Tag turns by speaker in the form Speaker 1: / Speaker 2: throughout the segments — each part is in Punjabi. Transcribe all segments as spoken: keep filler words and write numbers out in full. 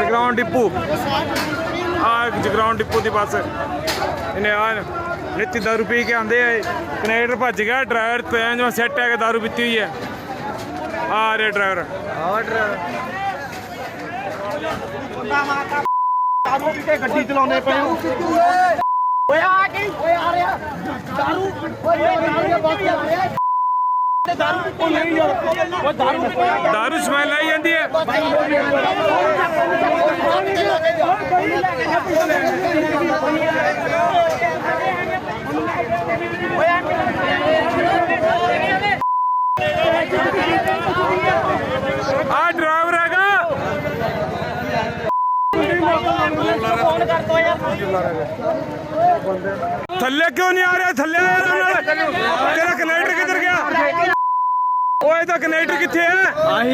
Speaker 1: जगराउं डिपू आ जगराउं डिपू की बस इन्हें आ नित्य दारू पी के आंदे कनेक्टर भज गया ड्राइवर पैन जो सैट है दारू पीती हुई है आ रहे ड्राइवर
Speaker 2: गड्डी चलाने पे
Speaker 1: दारू स्मैल आई जाती है आ ड्राइवर हैगा थल्ले क्यों नहीं आ रहा थल्ले तेरा कनेक्टर किधर गया ओए दा कनेक्टर किथे है आही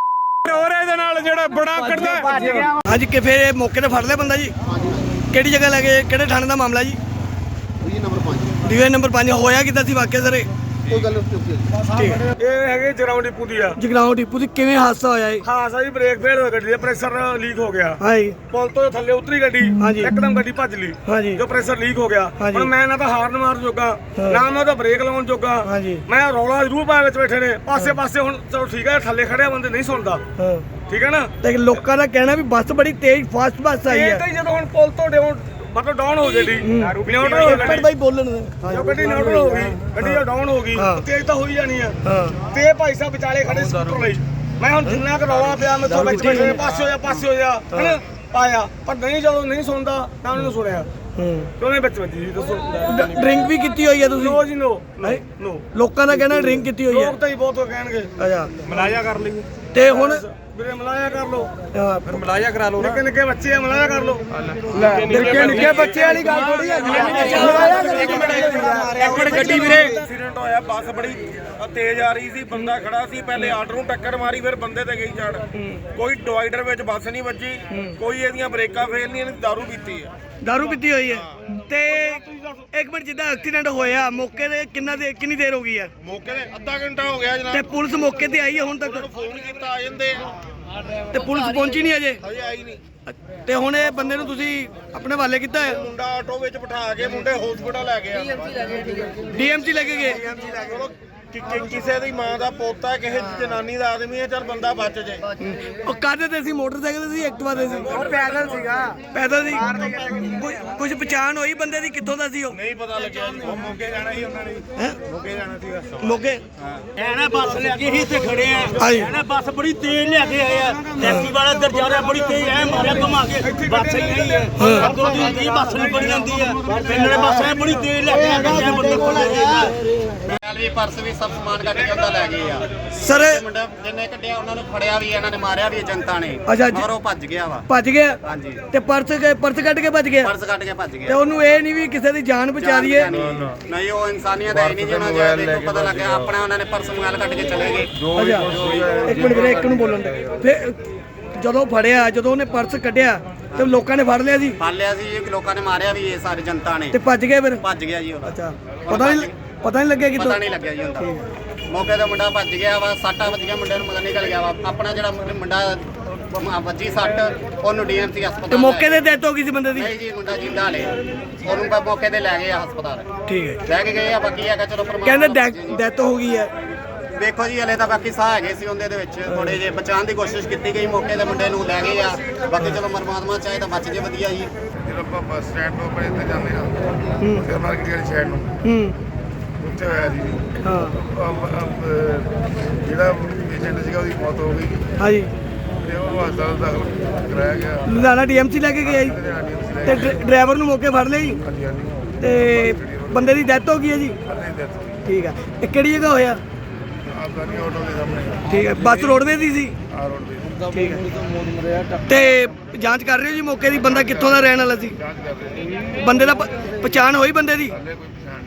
Speaker 1: और ਇਹਦੇ ਨਾਲ ਜਿਹੜਾ ਬੜਾ ਕੱਢਦਾ
Speaker 3: ਹਾਂਜੀ ਕਿ ਫਿਰ ਮੌਕੇ ਤੇ ਫੜ ਲਿਆ ਬੰਦਾ ਜੀ ਕਿਹੜੀ ਜਗ੍ਹਾ ਲੈ ਕੇ ਕਿਹੜੇ ਥਾਣੇ ਦਾ ਮਾਮਲਾ ਜੀ
Speaker 2: ਡਿਵੀਜ਼ਨ ਨੰਬਰ ਪੰਜ
Speaker 3: ਡਿਵੀਜ਼ਨ ਨੰਬਰ ਪੰਜ ਹੋਇਆ ਕਿੱਦਾਂ ਸੀ ਵਾਕਿਆ ਸਰ
Speaker 2: ਕੋਈ ਗੱਲ ਨਹੀਂ
Speaker 1: ਠੀਕ ਹੈ ਇਹ ਹੈਗੇ ਜਗਰਾਉਂ ਡਿਪੂ ਦੀ ਆ
Speaker 3: ਜਗਰਾਉਂ ਡਿਪੂ ਦੀ ਕਿਵੇਂ ਹਾਦਸਾ ਹੋਇਆ ਇਹ
Speaker 1: ਹਾਂ ਸਾਰੀ ਬ੍ਰੇਕ ਫੇਲ ਹੋ ਗੱਡੀ ਦਾ ਪ੍ਰੈਸ਼ਰ ਲੀਕ ਹੋ ਗਿਆ
Speaker 3: ਹਾਂਜੀ
Speaker 1: ਪੁਲ ਤੋਂ ਥੱਲੇ ਉਤਰੀ ਗੱਡੀ
Speaker 3: ਹਾਂਜੀ।
Speaker 1: ਇੱਕਦਮ ਗੱਡੀ ਭੱਜ ਲਈ
Speaker 3: ਹਾਂਜੀ
Speaker 1: ਜੋ ਪ੍ਰੈਸ਼ਰ ਲੀਕ ਹੋ ਗਿਆ
Speaker 3: ਹਾਂਜੀ।
Speaker 1: ਹੁਣ ਮੈਂ ਨਾ ਤਾਂ ਹਾਰਨ ਮਾਰਨ ਜੋਗਾ
Speaker 3: ਹਾਂ।
Speaker 1: ਨਾ ਮੈਂ ਉਹਦਾ ਬ੍ਰੇਕ ਲਾਉਣ ਜੋਗਾ
Speaker 3: ਹਾਂਜੀ।
Speaker 1: ਮੈਂ ਰੌਲਾ ਜ਼ਰੂਰ ਪਾਇਆ ਵਿੱਚ ਬੈਠੇ ਨੇ ਪਾਸੇ ਪਾਸੇ ਹੁਣ ਚਲੋ ਠੀਕ ਹੈ ਥੱਲੇ ਖੜਿਆ ਬੰਦੇ ਨਹੀਂ ਸੁਣਦਾ
Speaker 3: ਹਾਂ
Speaker 1: ਠੀਕ ਹੈ ਨਾ
Speaker 3: ਤੇ ਲੋਕਾਂ ਦਾ ਕਹਿਣਾ ਵੀ ਬੱਸ ਬੜੀ ਤੇਜ਼ ਫਾਸਟ ਬੱਸ ਆਈ
Speaker 1: ਇਹ
Speaker 3: ਹੈ
Speaker 1: ਤਾਂ ਹੀ ਜਦੋਂ ਹੁਣ ਪੁਲ ਤੋਂ ਡਾਊਨ ਮਤਲਬ ਡਾਊਨ ਹੋ ਜੇਡੀ ਨਿਊਟਰਲ ਹੋ
Speaker 3: ਪਰ
Speaker 1: ਗੱਡੀ
Speaker 3: ਬਾਈ ਬੋਲਣ ਦੇ
Speaker 1: ਜੋ ਗੱਡੀ ਨਿਊਟਰਲ ਹੋ ਗਈ ਗੱਡੀ ਜੋ ਡਾਊਨ ਹੋ ਗਈ
Speaker 3: ਹਾਂ।
Speaker 1: ਤੇਜ਼ ਤਾਂ ਹੋਈ ਜਾਣੀ ਆ
Speaker 3: ਹਾਂ
Speaker 1: ਤੇ ਇਹ ਭਾਈ ਸਾਹਿਬ ਵਿਚਾਲੇ ਖੜੇ ਸਕੂਟਰ ਲਈ ਮੈਂ ਹੁਣ ਜਿੰਨਾ ਕੁ ਰੌਲਾ ਪਿਆ ਮੈਂ ਤੋਂ ਵਿੱਚ ਬੈਠੇ ਪਾਸੇ ਹੋ ਜਾ ਪਾਸੇ ਹੋ ਜਾ ਹਨਾ ਪਾਇਆ ਪਰ ਨਹੀਂ ਜਦੋਂ ਨਹੀਂ ਸੁਣਦਾ ਤਾਂ ਉਹਨੂੰ ਸੁਣਿਆ
Speaker 3: ਹੂੰ
Speaker 1: ਕਿਉਂ ਵਿੱਚ ਵੱਜੀ ਜੀ ਦੱਸੋ
Speaker 3: ਡਰਿੰਕ ਵੀ ਕੀਤੀ ਹੋਈ ਹੈ ਤੁਸੀਂ
Speaker 1: ਨੋ ਜੀ ਨੋ ਨੋ
Speaker 3: ਲੋਕਾਂ ਦਾ ਕਹਿਣਾ ਡਰਿੰਕ ਕੀਤੀ ਹੋਈ ਹੈ
Speaker 1: ਲੋਕ ਤਾਂ ਹੀ ਬਹੁਤ ਕਹਿਣਗੇ
Speaker 3: ਅੱਛਾ
Speaker 1: ਮਲਾਇਆ ਕਰ ਲਈ
Speaker 3: ਤੇ ਹੁਣ
Speaker 1: ਵੀਰੇ ਮਲਾਇਆ ਕਰ ਲੋ
Speaker 3: ਹਾਂ,
Speaker 1: ਫਿਰ ਮਲਾਇਆ ਕਰਾ ਲੋ ਨਿੱਕੇ ਨਿੱਕੇ ਬੱਚੇ ਆ ਮਲਾਇਆ ਕਰ ਲੋ
Speaker 3: ਨਿੱਕੇ ਨਿੱਕੇ ਬੱਚੇ ਵਾਲੀ ਗੱਲ ਥੋੜੀ ਹੈ
Speaker 1: ਇੱਕ ਮਿੰਟ ਗੱਡੀ ਵੀਰੇ ਐਕਸੀਡੈਂਟ ਹੋਇਆ ਬੱਸ ਬੜੀ ਤੇਜ਼ ਆ ਰਹੀ ਸੀ ਬੰਦਾ ਖੜਾ ਸੀ ਪਹਿਲੇ ਆਰਡਰ ਨੂੰ ਟੱਕਰ ਮਾਰੀ ਫਿਰ ਬੰਦੇ ਤੇ ਗਈ ਚੜ ਕੋਈ ਡਿਵਾਈਡਰ ਵਿੱਚ ਬੱਸ ਨਹੀਂ ਵੱਜੀ ਕੋਈ ਇਹਦੀਆਂ ਬ੍ਰੇਕਾਂ ਫੇਲ ਨਹੀਂ ਇਹਨੇ ਦਾਰੂ ਪੀਤੀ ਹੈ
Speaker 3: ਦਾਰੂ ਪੀਤੀ ਹੋਈ ਹੈ ਤੇ ਇੱਕ ਮਿੰਟ ਜਿੱਦਾਂ ਐਕਸੀਡੈਂਟ ਹੋਇਆ ਮੌਕੇ ਤੇ ਕਿੰਨਾ ਦੇ ਕਿੰਨੀ ਦੇਰ ਹੋ ਗਈ ਹੈ
Speaker 1: ਮੌਕੇ ਤੇ ਅੱਧਾ ਘੰਟਾ ਹੋ ਗਿਆ ਜਨਾਬ
Speaker 3: ਤੇ ਪੁਲਿਸ ਮੌਕੇ ਤੇ ਆਈ ਹੈ ਹੁਣ ਤੱਕ
Speaker 1: ਫੋਨ ਕੀਤਾ ਆ ਜਾਂਦੇ ਆ
Speaker 3: ਤੇ ਪੁਲਿਸ ਪਹੁੰਚੀ ਨਹੀਂ ਅਜੇ
Speaker 1: ਹਜੇ ਆਈ ਨਹੀਂ
Speaker 3: ਤੇ ਹੁਣ ਇਹ ਬੰਦੇ ਨੂੰ ਤੁਸੀਂ ਆਪਣੇ ਹਵਾਲੇ ਕੀਤਾ ਹੈ
Speaker 1: ਮੁੰਡਾ ਆਟੋ ਵਿੱਚ ਬਿਠਾ ਕੇ ਮੁੰਡੇ ਹਸਪੀਟਲ ਲੈ ਗਏ
Speaker 3: ਡੀਐਮਸੀ ਲੈ ਕੇ ਗਏ
Speaker 1: ਚਲੋ ਕਿ- ਕਿ- ਕਿਸੇ ਦੀ ਮਾਂ ਦਾ ਪੋਤਾ ਕਿਸੇ ਦੀ ਜਨਾਨੀ ਦਾ ਆਦਮੀ ਹੈ ਚੱਲ ਬੰਦਾ ਬਚ ਜੇ
Speaker 3: ਉਹ ਕਾਹਦੇ ਤੇ ਸੀ ਮੋਟਰਸਾਈਕਲ ਤੇ ਸੀ ਐਕਟਿਵਾ ਤੇ ਸੀ
Speaker 1: ਉਹ ਪੈਦਲ ਸੀਗਾ
Speaker 3: ਪੈਦਲ ਸੀ ਕੁਝ- ਕੁਝ ਪਛਾਣ ਹੋਈ ਬੰਦੇ ਦੀ ਕਿੱਥੋਂ ਦਾ ਸੀ ਉਹ
Speaker 1: ਨਹੀਂ ਪਤਾ ਲੱਗਿਆ ਜੀ ਉਹ ਮੋਗੇ ਜਾਣਾ ਸੀ ਉਹਨਾਂ ਨੇ
Speaker 3: ਹੈਂ?
Speaker 1: ਮੋਗੇ ਜਾਣਾ ਸੀਗਾ
Speaker 3: ਮੋਗੇ
Speaker 4: ਐਨਾ ਬੱਸ ਲੈ ਕੇ ਹੀ ਤੇ ਖੜੇ ਆ
Speaker 3: ਹਾਂਜੀ।
Speaker 4: ਐਨਾ ਬੱਸ ਬੜੀ ਤੇਜ਼ ਲੈ ਕੇ ਆਏ ਆ ਟੈਕਸੀ ਵਾਲਾ ਇੱਧਰ ਜਾ ਰਿਹਾ ਬੜੀ ਤੇਜ਼ ਐ ਮਾਰਿਆ ਘੁਮਾ ਕੇ ਬੱਸ ਹੀ ਨਹੀਂ ਹੈ ਅੱਗੋਂ ਦੀ ਹੁੰਦੀ ਬੱਸ ਨਹੀਂ ਬੜੀ ਜਾਂਦੀ ਆ ਪਿੰਡਲੇ ਬੱਸ ਐ ਬੜੀ ਤੇਜ਼ ਲੈ ਕੇ ਆ ਕੇ ਬੰਦੇ ਕੋਲ
Speaker 5: ਵੀ ਪਰਸ ਵੀ ਸਭ ਸਮਾਨ ਕੱਢ ਕੇ ਉਹਦਾ ਲੈ ਗਏ ਆ
Speaker 3: ਸਰ
Speaker 5: ਮੁੰਡਾ ਜਿੰਨੇ ਕੱਢਿਆ ਉਹਨਾਂ ਨੂੰ ਫੜਿਆ ਵੀ ਇਹਨਾਂ ਨੇ ਮਾਰਿਆ ਵੀ ਜਨਤਾ ਨੇ
Speaker 3: ਅੱਛਾ ਜੀ।
Speaker 5: ਔਰ ਉਹ ਭੱਜ ਗਿਆ ਵਾ
Speaker 3: ਭੱਜ ਗਿਆ
Speaker 5: ਹਾਂਜੀ
Speaker 3: ਤੇ ਪਰਸ ਪਰਸ ਕੱਢ ਕੇ ਭੱਜ ਗਿਆ
Speaker 5: ਪਰਸ ਕੱਢ ਕੇ ਭੱਜ
Speaker 3: ਤੇ
Speaker 5: ਗਿਆ
Speaker 3: ਉਹਨੂੰ ਇਹ ਨਹੀਂ ਵੀ ਕਿਸੇ ਦੀ ਜਾਨ ਬਚਾ ਦਈਏ
Speaker 5: ਨਹੀਂ ਉਹ ਇਨਸਾਨੀਅਤ ਹੈ ਨਹੀਂ ਜਿਹਨਾਂ ਦੇ ਦੇਖੋ ਪਤਾ ਲੱਗਿਆ ਆਪਣਾ ਉਹਨਾਂ ਨੇ ਪਰਸ ਮੋਬਾਈਲ ਕੱਢ ਕੇ ਚਲੇ ਗਏ
Speaker 3: ਅੱਛਾ ਇੱਕ ਮਿੰਟ ਵੀਰੇ ਇੱਕ ਨੂੰ ਬੋਲਣ ਦੇ ਫਿਰ ਜਦੋਂ ਫੜਿਆ ਜਦੋਂ ਉਹਨੇ ਪਰਸ ਕੱਢਿਆ ਤੇ ਲੋਕਾਂ ਨੇ ਫੜ ਲਿਆ ਸੀ
Speaker 5: ਫੜ ਲਿਆ ਸੀ ਜੀ ਲੋਕਾਂ ਨੇ ਮਾਰਿਆ ਵੀ ਇਹ ਸਾਰੀ ਜਨਤਾ ਨੇ
Speaker 3: ਤੇ ਭੱਜ ਗਏ ਫਿਰ
Speaker 5: ਭੱਜ ਗਿਆ ਜੀ ਉਹ
Speaker 3: ਅੱਛਾ ਪਤਾ ਨਹੀਂ ਪਤਾ ਨਹੀਂ ਲੱਗਿਆ ਕਿਤੋਂ
Speaker 5: ਪਤਾ ਨਹੀਂ ਲੱਗਿਆ ਜੀ ਹੁੰਦਾ ਮੌਕੇ ਤੇ ਮੁੰਡਾ ਭੱਜ ਗਿਆ ਵਾ ਸੱਟਾਂ ਵੱਜੀਆਂ ਮੁੰਡੇ ਨੂੰ ਮਗਰ ਨਿਕਲ ਗਿਆ ਵਾ ਆਪਣਾ ਜਿਹੜਾ ਮੁੰਡਾ ਵੱਜੀ ਸੱਟ ਉਹਨੂੰ ਡੀਐਮਸੀ ਹਸਪਤਾਲ
Speaker 3: ਤੇ ਮੌਕੇ ਤੇ ਡੈਥ ਹੋ ਗਈ ਸੀ ਬੰਦੇ ਦੀ
Speaker 5: ਨਹੀਂ ਜੀ ਮੁੰਡਾ ਜਿੰਦਾ ਹਲੇ ਉਹਨੂੰ ਬਸ ਮੌਕੇ ਤੇ ਲੈ ਗਏ ਆ ਹਸਪਤਾਲ
Speaker 3: ਠੀਕ ਹੈ
Speaker 5: ਲੈ ਕੇ ਗਏ ਆ ਬਾਕੀ ਹੈਗਾ ਚਲੋ
Speaker 3: ਕਹਿੰਦੇ
Speaker 5: ਪਰਮਾਤਮਾ
Speaker 3: ਡੈਥ ਹੋ ਗਈ ਹੈ
Speaker 5: ਦੇਖੋ ਜੀ ਹਲੇ ਤਾਂ ਬਾਕੀ ਸਾਹ ਹੈਗੇ ਸੀ ਉਹਦੇ ਦੇ ਵਿੱਚ ਥੋੜੇ ਜੇ ਬਚਾਉਣ ਦੀ ਕੋਸ਼ਿਸ਼ ਕੀਤੀ ਗਈ ਮੌਕੇ ਤੇ ਮੁੰਡੇ ਨੂੰ ਲੈ ਗਏ ਆ ਬਾਕੀ ਚਲੋ ਪਰਮਾਤਮਾ ਚਾਹੇ ਤਾਂ ਬਚ ਜੇ ਵਧੀਆ ਜੀ
Speaker 6: ਜਦੋਂ ਆਪਾਂ ਬੱਸ ਸਟੈਂਡ ਤੋਂ ਆਪਣੇ ਇੱਥੇ ਜਾਂਦੇ ਹਾਂ ਫਿਰ ਮਾਰਕੀਟ ਵਾਲੀ ਸਾਈਡ ਨੂੰ
Speaker 3: ਹੂੰ
Speaker 6: ਉੱਥੇ ਹੋਇਆ ਜੀ
Speaker 3: ਹਾਂ
Speaker 6: ਅਮ- ਅਮ- ਜਿਹੜਾ ਪੇਸ਼ੈਂਟ ਸੀਗਾ ਉਹਦੀ ਮੌਤ ਹੋ ਗਈ
Speaker 3: ਹਾਂਜੀ
Speaker 6: ਤੇ ਉਹ ਹਸਪਤਾਲ ਦਾਖਲ ਕਰਾਇਆ ਗਿਆ
Speaker 3: ਲੁਧਿਆਣਾ ਡੀਐਮਸੀ ਲੈ ਕੇ ਗਿਆ ਜੀ
Speaker 6: ਲੁਧਿਆਣਾ ਡੀਐਮਸੀ ਲੈ
Speaker 3: ਤੇ ਡਰ- ਡਰਾਈਵਰ ਨੂੰ ਮੌਕੇ ਫੜ ਲਿਆ ਜੀ
Speaker 6: ਹਾਂਜੀ ਹਾਂਜੀ
Speaker 3: ਤੇ ਬੰਦੇ ਦੀ ਡੈਥ ਹੋ ਗਈ ਹੈ ਜੀ
Speaker 6: ਅੱਧੇ ਡੈਥ
Speaker 3: ਠੀਕ ਹੈ ਇਹ ਕਿਹੜੀ ਜਗ੍ਹਾ ਹੋਇਆ
Speaker 6: ਆਫਗਾਨੀ ਆਟੋ ਦੇ ਸਾਹਮਣੇ
Speaker 3: ਠੀਕ ਹੈ ਬੱਸ ਰੋਡਵੇ ਦੀ ਸੀ
Speaker 6: ਆ ਰੋਡ ਤੇ
Speaker 3: ਠੀਕ ਹੈ ਤੇ ਜਾਂਚ ਕਰ ਰਹੇ ਹੋ ਜੀ ਮੌਕੇ ਦੀ ਬੰਦਾ ਕਿੱਥੋਂ ਦਾ ਰਹਿਣ ਵਾਲਾ ਸੀ
Speaker 6: ਜਾਂਚ ਕਰ ਰਹੇ
Speaker 3: ਬੰਦੇ ਦਾ ਪ- ਪਛਾਣ ਹੋਈ ਬੰਦੇ ਦੀ
Speaker 6: ਹਾਲੇ ਕੋਈ